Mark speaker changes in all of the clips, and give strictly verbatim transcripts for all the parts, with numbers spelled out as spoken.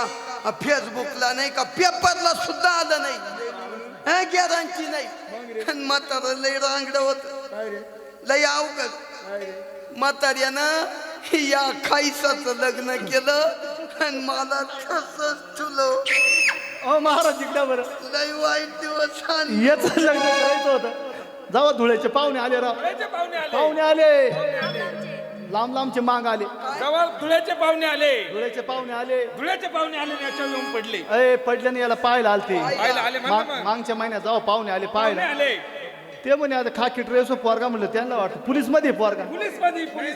Speaker 1: का फेसबुकला नाही का पेपरला सुद्धा आलं नाही, गॅरंटी नाही. म्हातार लय रांगड होत, लय अवघड. म्हाताऱ्यानं या खाईसाचं लग्न केलं आणि मला तसंच ठुलं.
Speaker 2: अ महाराज इकडे बरं,
Speaker 1: लय वाईट दिवस आले.
Speaker 2: याच लग्न करायचं होतं. जावा धुळ्याचे पाहुणे आले राव, पाहुणे आले, लांब लांबचे मांग आले.
Speaker 3: जवळ धुळ्याचे पाहुणे आले,
Speaker 2: धुळ्याचे पाहुणे आले,
Speaker 3: धुळ्याचे पाहुणे आले याच्या येऊन पडले.
Speaker 2: अय पडल्याने याला पाहायला आलते.
Speaker 3: पाहायला आले म्हणा मग.
Speaker 2: मागच्या महिन्यात जावा पाहुणे आले पाहायला.
Speaker 3: पाहुणे आले,
Speaker 2: ते म्हणे आता खाकी ड्रेस पोरगा म्हणलं, त्यांना वाटतं पोलीस मध्ये पोरगा.
Speaker 3: पोलीस मध्ये पोलीस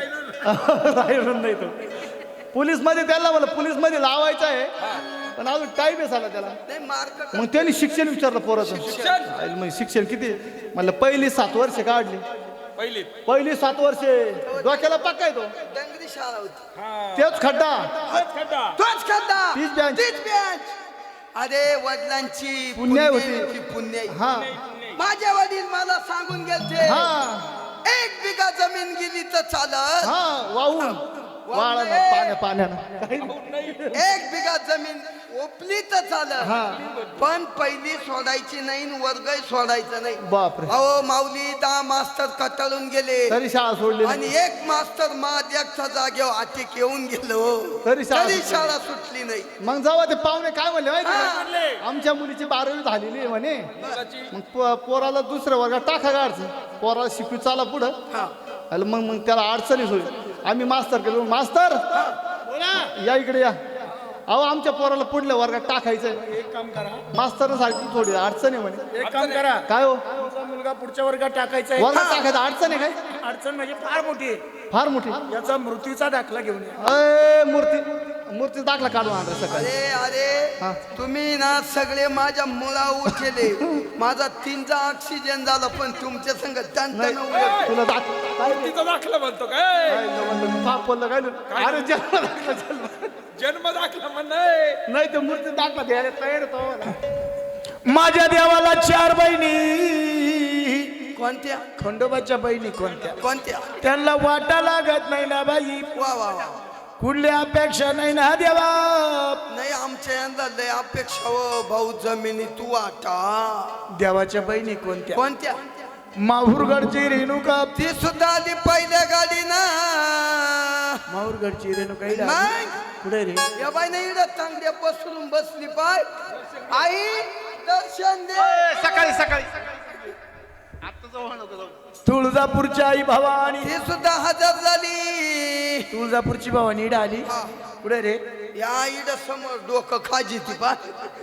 Speaker 2: राहिलं नाही तो पोलीस मध्ये. त्यांना म्हणलं पोलीस मध्ये लावायचं आहे, पण अजून टाईम आहे झाला त्याला.
Speaker 1: नाही मार्क
Speaker 2: मग त्यांनी शिक्षण विचारलं पोराचं.
Speaker 3: शिक्षण
Speaker 2: मग शिक्षण किती म्हणलं, पहिली सात वर्ष काढली.
Speaker 3: पहिली
Speaker 2: पहिली सात वर्षे डोक्याला पक्का आहे तो.
Speaker 1: डंगरी शाळा होती,
Speaker 3: हा
Speaker 2: तेच खड्डा,
Speaker 3: तोच खड्डा.
Speaker 1: तोच खड्डा,
Speaker 2: तीच bench.
Speaker 1: तीच bench. अरे वडिलांची
Speaker 2: पुण्याई होती.
Speaker 1: पुण्याईची पुण्याई.
Speaker 2: हा
Speaker 1: माझे वडील मला सांगून गेलते,
Speaker 2: हा
Speaker 1: एक बिघा जमीन गेली तर चालत,
Speaker 2: हा वाहून वाळा पाण्या पाण्यानं.
Speaker 1: एक बिघा जमीन ओपली तर चालत,
Speaker 2: हा.
Speaker 1: पण पहिली सोडायची नाही, वर्ग सोडायचं नाही.
Speaker 2: बापरे,
Speaker 1: अहो माऊली दहा मास्तर कटाळून गेले
Speaker 2: तरी शाळा सोडली
Speaker 1: आणि
Speaker 2: नाही.
Speaker 1: एक मास्तर महादेवच्या जागेवर अटक येऊन गेलो,
Speaker 2: तरी शाळा
Speaker 1: तरी
Speaker 2: सुटली.
Speaker 1: शाळा सुटली नाही.
Speaker 2: मग जावा ते पाहुणे काय म्हणले माहिती का?
Speaker 3: म्हणले,
Speaker 2: आमच्या मुलीची बारावी झालेली आहे म्हणे, मग पो- पोराला दुसऱ्या वर्गात टाका गाडचं, पोराला शिकू चाला पुढं.
Speaker 1: हा.
Speaker 2: अरे मग मग त्याला अडचणीच होईल. आम्ही मास्तर केलो, मास्तर या इकडे या. अहो आमच्या पोराला पुढल्या वर्गात टाकायचंय.
Speaker 4: एक काम करा,
Speaker 2: मास्तर सारखी थोडी अडचण आहे म्हणे.
Speaker 4: एक काम करा,
Speaker 2: काय हो
Speaker 4: तुमचा मुलगा पुढच्या वर्गात टाकायचा आहे.
Speaker 2: वर्गात टाकायचं अडचण आहे काय?
Speaker 4: अडचण म्हणजे फार मोठी आहे.
Speaker 2: फार मोठी.
Speaker 4: याचा मृत्यूचा दाखला घेऊन या.
Speaker 2: अय मूर्ती मूर्ती दाखला काढून आणला सकाळी.
Speaker 1: अरे अरे तुम्ही ना सगळे माझ्या मुळा उठले. माझा तीनचा ऑक्सिजन झाला, पण तुमच्या संग
Speaker 2: नाही
Speaker 1: त्यांना
Speaker 2: तुला दाख काय
Speaker 3: तिचा दाखला म्हणतो काय?
Speaker 2: काय म्हणलं, पाप बोललं काय नाही. अरे जन्म दाखला जन्म.
Speaker 3: जन्म दाखला म्हण नाही.
Speaker 2: नाही ते मूर्ती दाखला द्यायला तयार होतो.
Speaker 4: माझ्या देवाला चार बहिणी,
Speaker 1: कोणत्या
Speaker 4: खंडोबाच्या बहिणी कोणत्या,
Speaker 1: कोणत्या
Speaker 4: त्यांना वाटा लागत नाही ना बाई.
Speaker 1: वा वा वा.
Speaker 4: कुठली अपेक्षा नाही ना देवा.
Speaker 1: नाही आमच्या यंदा लय अपेक्षा व भाऊ जमिनी तू वाटा.
Speaker 4: देवाच्या बहिणी कोणत्या,
Speaker 1: कोणत्या
Speaker 4: माहूरगडची रेणुका.
Speaker 1: ती सुद्धा आली पहिल्या गाडी ना.
Speaker 4: माहूरगडची रेणुका इला.
Speaker 1: नाही
Speaker 4: कुठे रे?
Speaker 1: या बाई नाही इकडं तांगड्या पसरून बसली पाय. आई दर्शन दे.
Speaker 2: सकाळी सकाळी आता जाऊ नको जाऊ.
Speaker 4: तुळजापूरची आई भवानी.
Speaker 1: ती सुद्धा हजर झाली.
Speaker 4: तुळजापूरची भवानी इडा आली.
Speaker 1: हा.
Speaker 4: कुठे रे?
Speaker 1: या इड समोर डोकं खाजी ती पाय.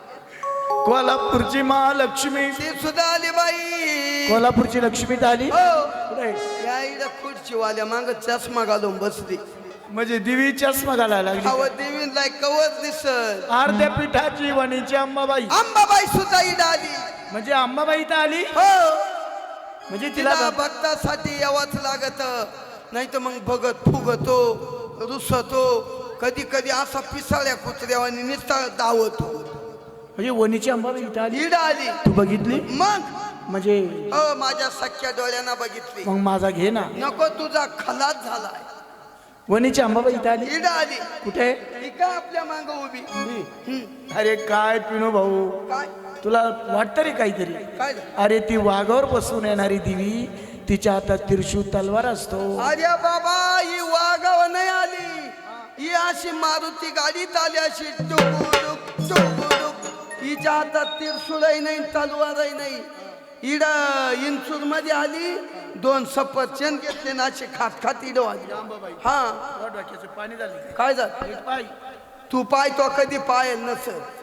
Speaker 4: कोल्हापूरची महालक्ष्मी.
Speaker 1: ती सुद्धा आली बाई.
Speaker 4: कोल्हापूरची लक्ष्मी इथं आली.
Speaker 1: हो
Speaker 4: कुठे?
Speaker 1: या इड खुर्ची वाल्या माग चष्मा घालून बसली.
Speaker 4: म्हणजे दिवी चष्मा घालायला लागली.
Speaker 1: अव देवीला कवच दिसत.
Speaker 4: अर्ध्या पिठाची वणीची अंबाबाई.
Speaker 1: अंबाबाई सुद्धा इड आली.
Speaker 4: म्हणजे अंबाबाई इथं आली.
Speaker 1: हो
Speaker 4: म्हणजे तिला
Speaker 1: तिला भक्तासाठी यावाच लागत, नाही तर मग भगत फुगतो रुसतो. कधी कधी असा पिसाळ्या कुत्र्यावानी निस्ता धावतो.
Speaker 4: म्हणजे वणीची अंबाबाई इथं आली.
Speaker 1: इड आली.
Speaker 4: तू बघितली?
Speaker 1: मग
Speaker 4: म्हणजे
Speaker 1: हो माझ्या सख्या डोळ्यांना बघितली.
Speaker 4: मग माझा घे ना.
Speaker 1: नको तुझा खलास झालाय.
Speaker 4: वणीची अंबाबाई इथं आली.
Speaker 1: इड आली.
Speaker 4: कुठे?
Speaker 1: ती का आपल्या मांग उभी. हम्म.
Speaker 4: अरे काय पिनू भाऊ,
Speaker 1: काय
Speaker 4: तुला वाटतं रे काहीतरी?
Speaker 1: काय झालं?
Speaker 4: अरे ती वाघावर बसून येणारी दिवी, तिच्या हातात त्रिशूळ तलवार असतो.
Speaker 1: अरे बाबा ही वागाव नाही आली. ही अशी मारुती गाडीत आली अशी टुकुडुक टुकुडुक. हिच्या हातात त्रिशूळही नाही तलवारही नाही. इड इंचूर मध्ये आली. दोन सफरचंद घेतले ना असे खात खात इड आली. हा
Speaker 4: पाणी झाले
Speaker 1: काय झालं?
Speaker 4: पाय.
Speaker 1: तू पाय तो कधी पायल नसत.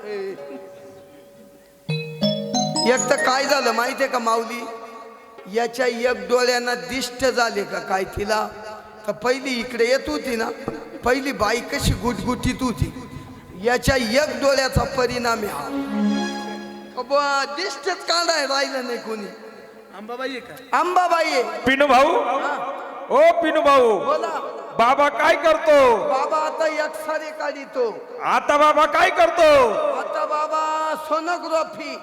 Speaker 1: एक तर काय झालं माहितीये का माऊली, याच्या एक डोळ्यांना दिष्ट झाले का काय तिला. तर पहिली इकडे येत होती ना, पहिली बाई कशी गुटगुटीत होती. याच्या एक डोळ्याचा परिणाम आहे. दिष्टच काढाय राहिलं नाही कोणी.
Speaker 4: अंबाबाई आहे का?
Speaker 1: अंबाबाई आहे.
Speaker 3: पिनू भाऊ, ओ पिनू भाऊ,
Speaker 1: बोला
Speaker 3: बाबा काय करतो?
Speaker 1: बाबा आता एक सारे काढितो.
Speaker 3: आता बाबा काय करतो?
Speaker 1: आता बाबा सोनोग्राफी.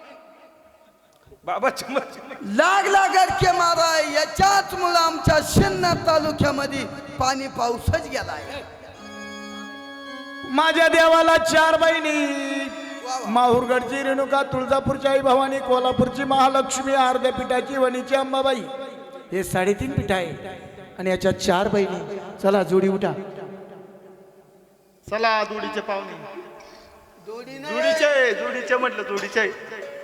Speaker 3: बाबा चमच
Speaker 1: लागला गडके मारा. याच्याच मुळे आमच्या शिन्नर तालुक्यामध्ये पाणी पाऊसच गेलाय.
Speaker 4: माझ्या देवाला चार बहिणी, माहूरगडची रेणुका, तुळजापूरची आई भवानी, कोल्हापूरची महालक्ष्मी, अर्ध्या पिठाची वणीची अंबाबाई, हे साडेतीन पीठ आहे आणि याच्या चार बहिणी. चला जोडी उठा.
Speaker 2: चला जोडीचे पाहुणे,
Speaker 1: जोडी नाही
Speaker 2: जोडीचे जोडीचे म्हटलं जोडीचे